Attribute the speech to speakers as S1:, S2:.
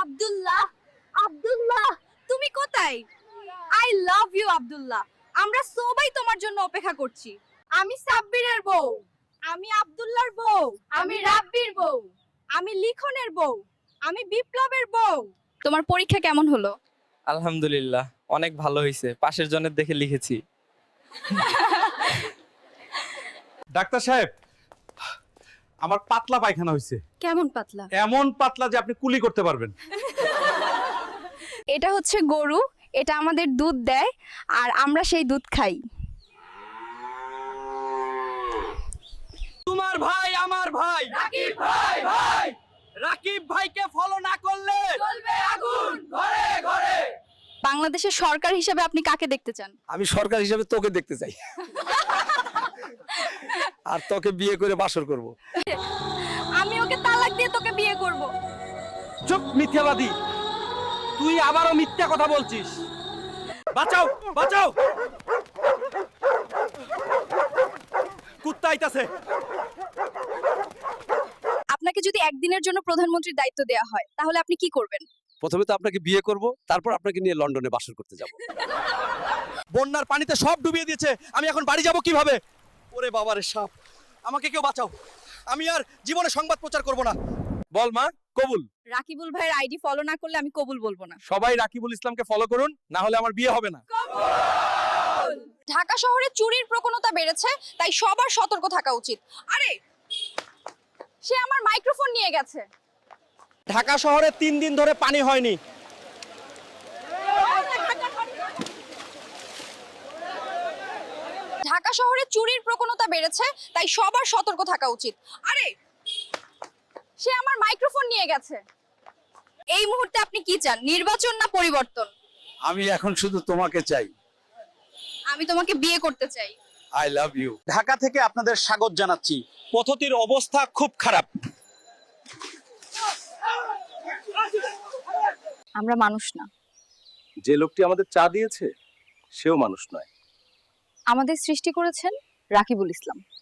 S1: আব্দুল্লাহ, আব্দুল্লাহ, তুমি কোথায়? I love you Abdullah. আমরা সবাই তোমার জন্য অপেক্ষা করছি। আমি সাব্বিরের বউ, আমি আব্দুল্লাহর বউ, আমি রাব্বির বউ, আমি লিখনের বউ, আমি বিপ্লবের বউ। তোমার পরীক্ষা কেমন হলো?
S2: আলহামদুলিল্লাহ, অনেক ভালো হয়েছে। পাশের জনের দেখে লিখেছি।
S3: ডাক্তার সাহেব, আমার পাতলা পায়খানা হয়েছে।
S1: কেমন পাতলা?
S3: এমন পাতলা যে আপনি কুলি করতে পারবেন।
S1: এটা হচ্ছে গরু, এটা আমাদের দুধ দেয় আর আমরা সেই দুধ খাই।
S2: তোমার ভাই আমার ভাই রাকিব ভাই ভাই, রাকিব ভাইকে ফলো না করলে জ্বলবে আগুন ঘরে ঘরে।
S1: বাংলাদেশের সরকার হিসেবে আপনি কাকে দেখতে চান?
S4: আমি সরকার হিসেবে তোকে দেখতে চাই, আর তোকে বিয়ে করে বাসর করব।
S1: আমি ওকে তালাক দিয়ে তোকে বিয়ে করব।
S2: চুপ মিথ্যাবাদী, তুই আবারও মিথ্যা কথা বলছিস। বাঁচাও বাঁচাও, কুত্তা আইতাছে।
S1: আপনাকে যদি একদিনের জন্য প্রধানমন্ত্রীর দায়িত্ব দেওয়া হয় তাহলে আপনি কি করবেন?
S4: প্রথমে তো আপনাকে বিয়ে করব, তারপর আপনাকে নিয়ে লন্ডনে বাসর করতে যাব।
S2: বন্যার পানিতে সব ডুবিয়ে দিয়েছে, আমি এখন বাড়ি যাব কিভাবে? ওরে বাবারে সাপ, আমাকে কেউ বাঁচাও, আমি আর জীবনে সংবাদ প্রচার করব না। বল মা, কবুল।
S1: রাকিবুল ভাইয়ের আইডি ফলো না করলে আমি কবুল বলবো না।
S2: সবাই রাকিবুল ইসলামকে ফলো করুন, না হলে আমার বিয়ে হবে না।
S1: ঢাকা শহরে চুরির প্রবণতা বেড়েছে, তাই সবার সতর্ক থাকা উচিত। আরে, সে আমার মাইক্রোফোন নিয়ে গেছে।
S2: ঢাকা শহরে 3 দিন ধরে পানি হয়নি।
S1: ঢাকা শহরে চুরির প্রবণতা বেড়েছে, তাই সবার সতর্ক থাকা উচিত। আরে, সে আমার মাইক্রোফোন নিয়ে গেছে। এই মুহূর্তে আপনি কি চান, নির্বাচন না পরিবর্তন?
S4: আমি এখন শুধু তোমাকে চাই।
S1: আমি তোমাকে বিয়ে করতে চাই।
S4: I love you.
S3: ঢাকা থেকে আপনাদের স্বাগত জানাচ্ছি।
S2: পথতির অবস্থা খুব খারাপ।
S1: আমরা মানুষ না,
S4: যে লোকটি আমাদের চা দিয়েছে সেও মানুষ নয়।
S1: আমাদের সৃষ্টি করেছেন রাকিবুল ইসলাম।